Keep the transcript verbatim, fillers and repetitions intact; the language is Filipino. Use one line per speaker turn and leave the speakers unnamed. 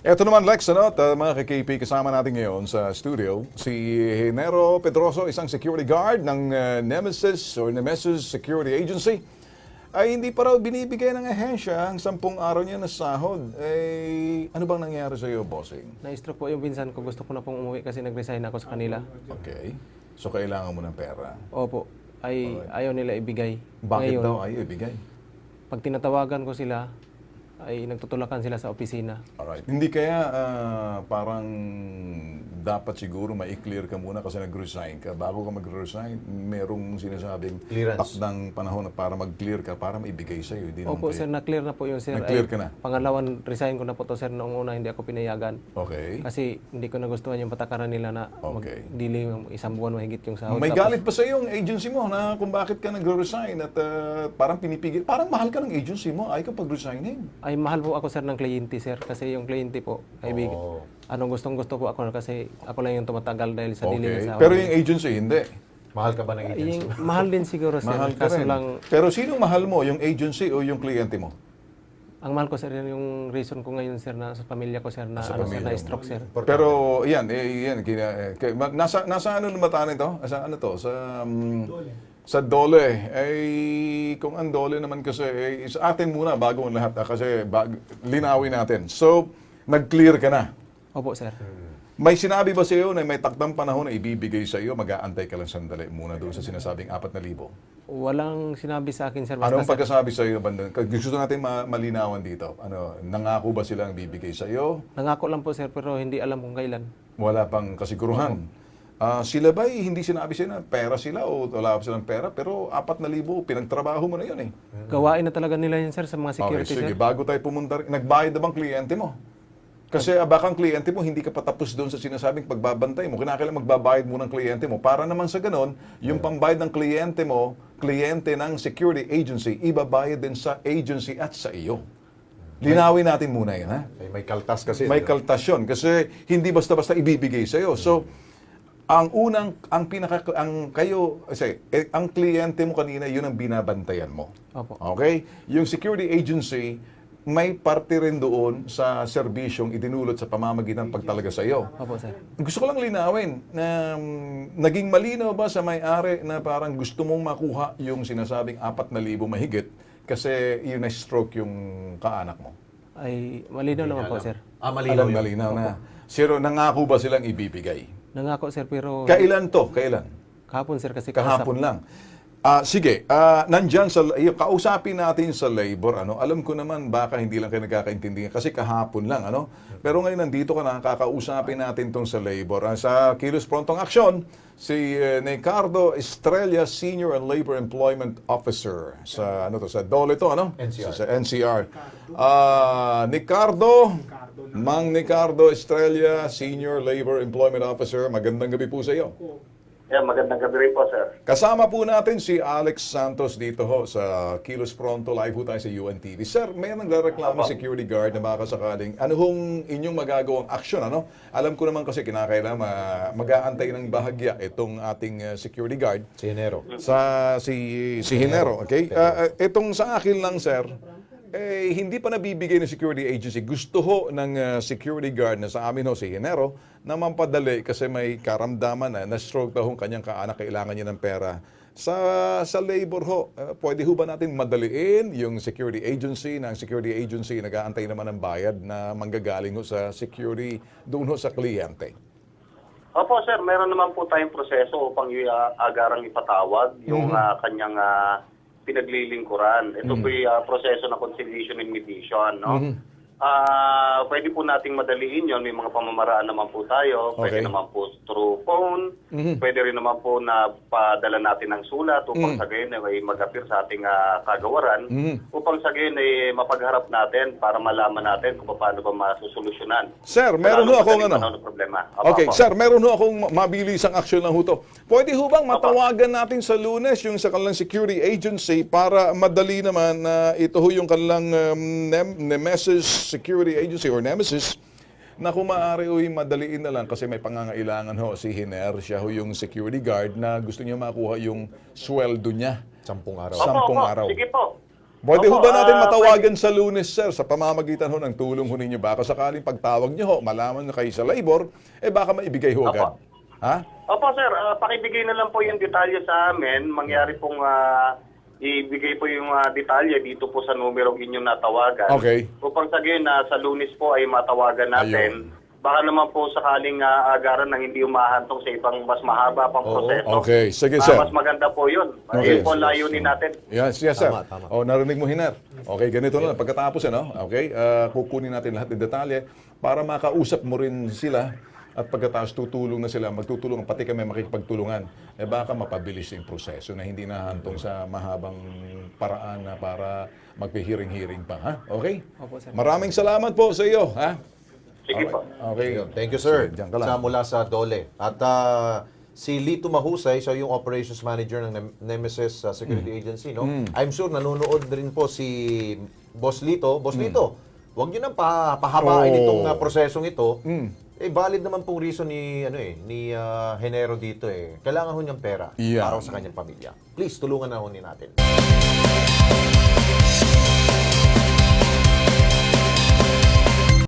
Eto naman Lex, ano, ta, mga ka-K P, kasama natin ngayon sa studio, si Henero Pedroso, isang security guard ng uh, Nemesis or Nemesis Security Agency, ay hindi pa raw binibigay ng ahensya ang sampung araw niya na sahod. Eh, ano bang nangyari sa iyo, bossing?
Na-stroke po yung pinsan ko. Gusto ko na pong umuwi kasi nag-resign ako sa kanila.
Okay. So, kailangan mo ng pera.
Opo. Ay, ayaw nila ibigay.
Bakit
Ngayon,
daw ayaw ibigay?
pag tinatawagan ko sila, ay nagtutulakan sila sa opisina.
Alright. Hindi kaya ah, parang dapat siguro ma-clear ka muna kasi nag-resign ka. Bago ka mag-resign, merong sinasabing
Clearance.
takdang panahon na para mag-clear ka, para maibigay sa'yo. Hindi naman
Opo,
kayo-
sir, na-clear na po yun, sir.
Na-clear
Ay,
ka na?
Pangalawan, resign ko na po to, sir. Noong una, hindi ako pinayagan.
Okay.
Kasi hindi ko nagustuhan yung patakaran nila na
Okay.
mag-delay ng isang buwan mahigit yung sahod.
May
Tapos,
galit pa sa iyo ang agency mo na kung bakit ka nag-resign at ah, parang pinipigil. Parang mahal ka ng agency mo, ay ka pag-resigning.
Ay, mahal po ako, sir, ng kliyente, sir. Kasi yung kliyente po, ay big,
Oh.
anong gustong gusto po ako kasi ako lang yung tumatagal dahil sa delay
Okay.
ng sahod.
Pero yung agency, hindi.
Mahal ka ba ng agency?
Yung, mahal din siguro, sir.
Mahal ka
Kaso
rin.
lang,
Pero sino mahal mo, yung agency o yung kliyente mo?
ang mahal ko, sir, yun yung reason ko ngayon, sir, na sa pamilya ko, sir, na,
Sa
ano, sir,
pamilya
na
mo.
stroke, sir.
Pero yan, eh, yan kina, eh, kay- ma- nasa nasa ano naman ito? Sa ano to? Sa um, sa Dole. Eh kung ang Dole naman kasi eh, sa atin muna bago ang lahat ah, kasi bag, linawin natin. So, nag-clear ka na.
Opo, sir.
May sinabi ba sa iyo na may takdang panahon na ibibigay sa iyo, mag-aantay ka lang sandali muna doon sa sinasabing apat na libo?
Walang sinabi sa akin, sir. Basta,
Anong
sir,
pagkasabi sa iyo, banda? Gusto natin ma- malinawan dito. Ano, nangako ba silang bibigay sa iyo?
nangako lang po, sir, pero hindi alam kung kailan.
Wala pang kasiguruhan. Ah, sila ba hindi sinabi sila na pera sila o wala pa silang pera pero apat na libo pinagtrabaho mo na yun eh.
Gawain na talaga nila yun, sir, sa mga security,
Okay, sige,
sir.
bago tayo pumunta, nagbayad na bang kliyente mo? Kasi ah, baka ang kliyente mo hindi ka patapos doon sa sinasabing pagbabantay mo. Kinakailangan magbabayad mo ng kliyente mo. Para naman sa ganon, yung pambayad ng kliyente mo, kliyente ng security agency, ibabayad din sa agency at sa iyo. Linawin natin muna yan, ha?
May, may kaltas kasi.
May
di ba?
kaltasyon kasi hindi basta-basta ibibigay sa iyo. So, ang unang ang pinaka ang kayo kasi eh, ang kliyente mo kanina yun ang binabantayan mo.
Opo.
Okay? Yung security agency may parte rin doon sa serbisyong idinulot sa pamamagitan pagtalaga sa iyo.
Opo, sir.
Gusto ko lang linawin na um, naging malinaw ba sa may-ari na parang gusto mong makuha yung sinasabing apat na libo mahigit kasi yun na stroke yung kaanak mo?
Ay, malinaw naman po, sir.
Ah, malinaw
Alam,
yun.
malinaw na. Siro, nangako ba silang ibibigay?
Nangako, sir, pero
Kailan to? Kailan?
kahapon, sir, kasi
Kahapon lang. Ah, sige, ah, nandyan sa, yung kausapin natin sa labor, ano, alam ko naman baka hindi lang kayo nagkakaintindihan kasi kahapon lang, ano. Pero ngayon nandito ka na, kakausapin natin tong sa labor. Ah, sa Kilos Prontong Aksyon, si eh, Ricardo Estrella, Senior and Labor Employment Officer sa ano to, sa Dole to, ano?
N C R.
Sa, sa N C R. Ah, Ricardo, Mang Ricardo Estrella, Senior Labor Employment Officer. Magandang gabi po sa iyo.
Yeah, magandang gabi rin po, sir.
Kasama po natin si Alex Santos dito ho sa Kilos Pronto. Live po tayo sa U N T V. Sir, may nagrereklamo security guard na baka sakaling ano hong inyong magagawang aksyon, ano? Alam ko naman kasi kinakailangan ma- mag-aantay ng bahagya itong ating uh, security guard
Si Enero.
sa si si Hinero, okay? Ah, ah, itong sa akin lang, sir, eh, hindi pa nabibigay ng security agency. Gusto ho ng ah, security guard na sa amin ho, si Hinero, na mampadali kasi may karamdaman na na-stroke daw ang kanyang kaanak, kailangan niya ng pera. Sa sa labor ho, ah, pwede ho ba natin madaliin yung security agency na ang security agency nag-aantay naman ng bayad na manggagaling ho sa security doon ho sa kliyente?
Opo, sir, meron naman po tayong proseso upang uh, agarang ipatawag yung ah, kanyang ah, pinaglilingkuran. Ito po yung ah, proseso ng conciliation and mediation, no? Ah, pwede po nating madaliin yon. May mga pamamaraan naman po tayo. Pwede
Okay.
naman po through phone. Pwede rin naman po na padala natin ng sulat upang sa gayon ay mag-appear sa ating ah, kagawaran. Upang sa gayon ay mapagharap natin para malaman natin kung paano ba masusolusyonan.
Sir, meron ho
Lalo
akong
madaling
ano.
panahon ng problema. Opo,
Okay,
opo.
sir, meron ho akong mabilisang aksyon lang ho to. Pwede ho bang matawagan natin sa Lunes yung sa kanilang security agency para madali naman na ito ho yung kanilang um, Nem- Nemesis Security Agency or Nemesis na kung maaari ho'y madaliin na lang kasi may pangangailangan ho si Hiner, siya ho yung security guard na gusto niya makuha yung sweldo niya.
Sampung araw.
Sa- sampung
Opo, opo.
araw.
Sige po.
Pwede ho
Opo,
ba natin
ah,
matawagan sa Lunes, sir, sa pamamagitan ho ng tulong ho ninyo? Baka sakaling pagtawag nyo ho, malaman nyo kayo sa labor, eh baka maibigay ho agad.
Opo.
Ha?
Opo sir, ah, pakibigay na lang po yung detalye sa amin. Mangyari pong ah, ibigay po yung ah, detalye dito po sa numero inyong natawagan.
Okay.
Upang sa gayon na sa Lunes po ay matawagan natin. Baka naman po sakaling ah, agaran na hindi umahantong sa ibang mas mahaba pang
Oo.
proseso.
Okay, sige,
Ah,
sir.
mas maganda po yun.
Okay.
Ayun po ang layunin natin.
Yes, yes, sir.
Tama, tama.
O, narinig mo, Hiner. Okay, ganito na. Pagkatapos, ano, okay, ah, kukunin natin lahat ng detalye para makausap mo rin sila at pagkatapos tutulong na sila, magtutulungan, pati kami makikipagtulungan. Eh baka mapabilis yung proseso na hindi nahantong sa mahabang paraan na para magpihiring-hiring pa. Ha? Okay?
Opo, sir.
Maraming salamat po sa iyo. Ha?
Sige po.
Okay.
Ayun. Thank you, sir.
Sige, diyan ka lang.
Sa mula sa Dole. At ah, si Lito Mahusay, siya yung operations manager ng Nem- Nemesis ah, Security
Mm.
Agency, no? I'm sure nanonood rin po si Boss Lito. Boss Lito, wag niyo nang pa pahabain
Mm. Oh.
itong ah, prosesong ito.
Mm.
Eh valid naman pong reason ni ano eh ni ah, Henero dito eh. Kailangan ho niyang pera
Yeah.
para sa kanyang pamilya. Please tulungan na ho ni natin.